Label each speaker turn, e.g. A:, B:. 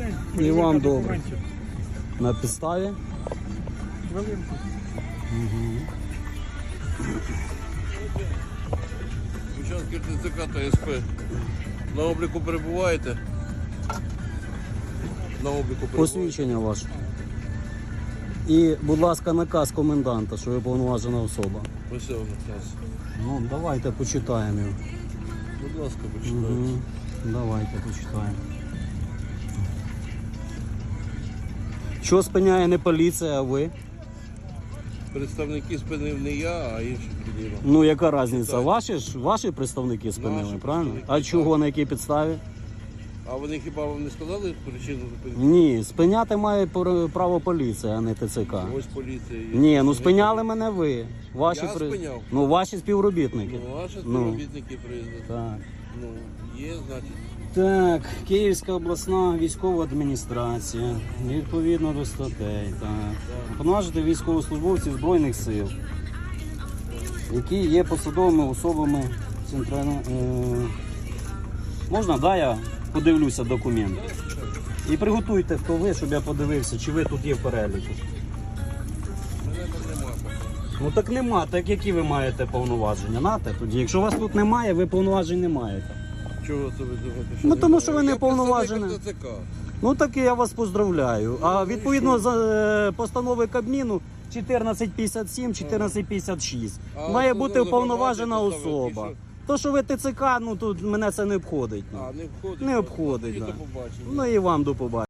A: І вам добре. На підставі?
B: Хвилинку.
C: Учасники ТЦК та СП. На обліку перебуваєте? На обліку перебуваєте?
A: Посвідчення ваше. І, будь ласка, наказ коменданта, що ви повноважена особа.
C: Ось його наказ.
A: Ну, давайте почитаємо його.
C: Будь ласка, почитайте.
A: Давайте почитаємо. Що спиняє не поліція, а ви?
C: Представники спинив не я, а інші підійма.
A: Ну, яка різниця? Ваші представники спинили,
C: Наші
A: правильно?
C: представники,
A: А
C: так.
A: чого, на якій підставі?
C: А вони хіба вам не сказали причину зупинки?
A: Ні, спиняти має право поліція, а не ТЦК.
C: Ось поліція є.
A: Ні, ну спиняли мене ви. Ваші
C: Я спиняв?
A: Ну, ваші співробітники.
C: Ну, ваші співробітники приїздили.
A: Так.
C: Ну, є, значить.
A: Так, Київська обласна військова адміністрація, відповідно до статей, так. Повноважити військовослужбовців Збройних сил, які є посадовими особами центральної... Можна, да, я подивлюся документи? І приготуйте, хто ви, щоб я подивився, чи ви тут є в переліку.
C: Мене там нема поки.
A: Ну так нема, так які ви маєте повноваження? Нате тоді. Якщо вас тут немає, ви повноважень не маєте.
C: Чого це ви думаєте?
A: Ну, тому що ви не
C: Я
A: повноважені.
C: представник ТЦК.
A: Ну так і я вас поздравляю. А відповідно за постанови Кабміну 1457, 1456
C: А
A: має
C: от
A: бути
C: за
A: уповноважена
C: громадські
A: особа.
C: поставки,
A: То, що ви ТЦК, ну тут мене це не обходить.
C: А, не входить.
A: Не обходить,
C: І
A: да.
C: до побачення.
A: Ну і вам до побачення.